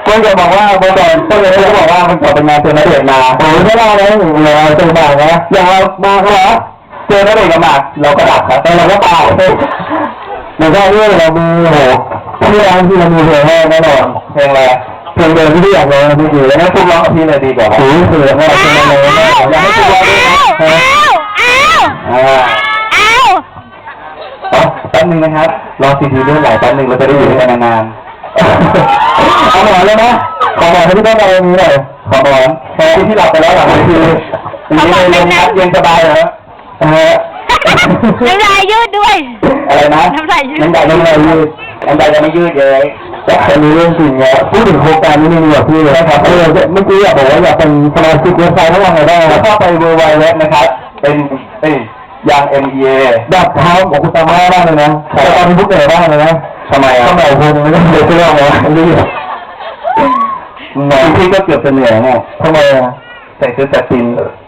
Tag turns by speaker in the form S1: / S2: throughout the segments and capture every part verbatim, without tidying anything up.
S1: พื่อนจะบอกว่าเมื่อก่อนเพื่อนจะบอกว่ามันก่อนเป็นงานเจอณเดชน์มาโอ้ยไม่ได้นะเราเจอหมากนะอย่างเรามาเหรอเจอณเดชน์กับหมากเราก็ดับครับแต่เราก็เปล่าหรือว่าเรื่องเรามีโหที่ร้านที่เรามีเพลงแน่นอนเพลงอะไรเพลงเดิมที่พี่อยากร้องพี่อยู่แล้วนะพวกร้องกับพี่เลยดีกว่าโอ้ยเสือแม่เพลงอะไรแม่อยากให้พวกร้องด้วยนะอ้าวอ้าวอ้าวอ๋อแป๊บนึงนะครับรอซีดีด้วยหลายแป๊บนึงเราจะได้อยู่ด้วยกันนานๆเอาหมอนเลยนะขอหมอนให้พี่ต้นเอาตรงนี้หน่อยขอหมอนที่ที่หลับไปแล้วหลังนี่คือนี่เลยเย็นครับเย็นสบายเหรอนะฮะ
S2: น้ำลายยืดด้วย
S1: อะไรนะ
S2: น้ำลายยืด
S1: น้ำลายน้ำลายยืดน้ำลายจะไม่ยืดเลยแต่อันนี้เรื่องจริงเนี่ยพูดถึงโครงการนี้นี่แบบพี่เลยครับเออเมื่อกี้อยากบอกว่าอยากเป็นสมาชิกเว็บไซต์ทั้งวันเลยได้แล้วก็ไปเวอร์ไวเว็บนะครับเป็นเอ้ยยาง เอ็ม อี เอ ดับเท้าของคุณตาม่าบ้างเลยนะแต่ตอนนี้พวกเหนื่อยบ้างเลยนะทำไมอ่ะทำไมคุณไม่ได้เดือดร้อนวะรีบหน่อยพี่ก็เกือบจะเหนื่อยไงทำไมอ่ะใส่เสื้อแจ็คกิน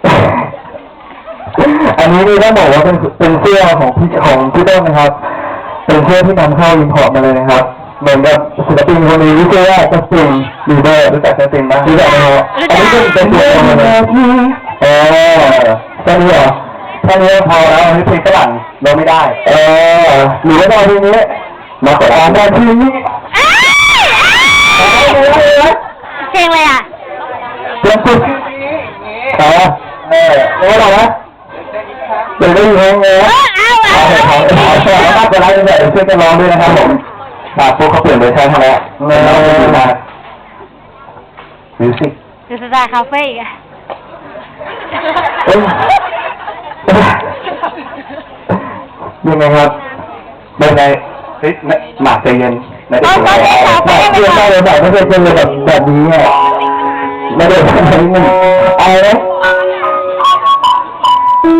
S1: อันนี้นี่ต้องบอกว่าเป็นเป็นเสื้อของพี่ของพี่ต้นนะครับเป็นเสื้อที่นำเข้าอินพอร์ตมาเลยนะครับเหมือนกับศิลปินคนนี้ที่ชื่อว่าจัสตินบีเบอร์รู้จักจัสตินไหมรู้จักไหมครับอันนี้เป็นเป็นเสื้อของมันเลยเออแค่นี้เหรอแค่นี้พอแล้วอันนี้เพลงฝรั่งเราไม่ได้เออหรือว่าตอนนี้มาขอตอนที่นี้
S2: เพลงอะไรอ่ะ
S1: เพลงสุดอ๋อเออรู้หรอวะเดี๋ยวได้ยินเพลงเลย
S2: เอาเอา
S1: เอาเอาเอาแล้วก็จะไล่ตั้งแต่เพื่อนจะร้องด้วยนะครับผมอ่าพวกเขาเปลี่ยนเวอร์ชันให้แล้วเออมามิวสิก
S2: ดูสไตล์คาเฟ่อีกอ่ะ
S1: ยังไงครับเป็นไงเฮ้ยหมากใจเย็นไม่ได้
S2: หมาก
S1: เพื่อนได้เลยแบบไม่เคยเป็นเลยแบบแบบนี้อ่ะไม่ได้ทำอะไรนี่เอาเลย